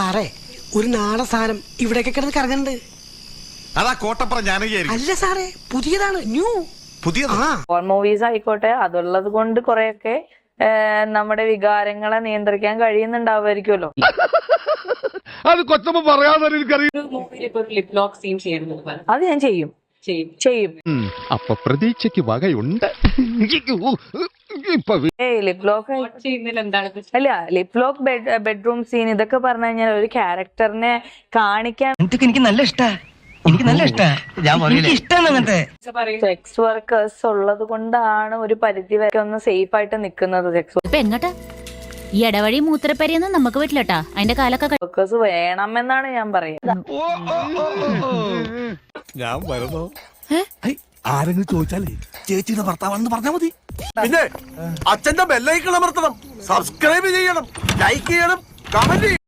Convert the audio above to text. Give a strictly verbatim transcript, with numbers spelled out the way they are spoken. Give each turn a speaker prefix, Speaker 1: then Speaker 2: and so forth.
Speaker 1: സാറേ ഒരു നാടൻ സാധനം ഇവിടെയൊക്കെ കിടന്ന് കറങ്ങുന്നുണ്ട്.
Speaker 2: അതാ കോട്ടപ്പുറം ജാനകിയായിരിക്കും.
Speaker 1: അല്ല സാറേ, പുതിയതാണ്, ന്യൂ
Speaker 2: പുതിയത്.
Speaker 3: ഹോൺ മൂവീസ് ആയിക്കോട്ടെ, അതുള്ളത് കൊണ്ട് കുറെയൊക്കെ നമ്മുടെ വികാരങ്ങളെ നിയന്ത്രിക്കാൻ കഴിയുന്നുണ്ടാവുമായിരിക്കുമല്ലോ.
Speaker 4: അത് കൊച്ചമ്മ പറയാതെ
Speaker 3: അത് ഞാൻ ചെയ്യും ചെയ്യും
Speaker 4: അപ്പൊ പ്രതീക്ഷയ്ക്ക് വകയുണ്ട്.
Speaker 3: ലിപ് ലോക്ക് അല്ല, ലിപ് ലോക്ക് ബെഡ്റൂം സീൻ ഇതൊക്കെ പറഞ്ഞു കഴിഞ്ഞാൽ ഒരു ക്യാരക്ടറിനെ കാണിക്കാൻ
Speaker 5: എനിക്ക് നല്ല ഇഷ്ടാ എനിക്ക് നല്ല ഇഷ്ടാ ഇഷ്ടമാണ് അങ്ങനത്തെ
Speaker 3: സെക്സ് വർക്കേഴ്സ് ഉള്ളത് കൊണ്ടാണ് ഒരു പരിധി വരെ ഒന്ന് സേഫ് ആയിട്ട് നിൽക്കുന്നത്. സെക്സ്
Speaker 6: എങ്ങട്ടാ ഈ ഇടവഴി മൂത്രപ്പരിയൊന്നും നമുക്ക് പറ്റില്ലട്ടാ. അതിന്റെ കാലൊക്കെ
Speaker 3: വർക്കേഴ്സ് വേണമെന്നാണ് ഞാൻ പറയുന്നത്.
Speaker 2: ഞാൻ വരുന്നു.
Speaker 7: ആരെങ്കിലും ചോദിച്ചാലേ ചേച്ചിയുടെ ഭർത്താവാണെന്ന് പറഞ്ഞാൽ മതി. പിന്നെ അച്ഛന്റെ ബെല്ലൈക്കൺ അമർത്തണം, സബ്സ്ക്രൈബ് ചെയ്യണം, ലൈക്ക് ചെയ്യണം, കമന്റ് ചെയ്യണം.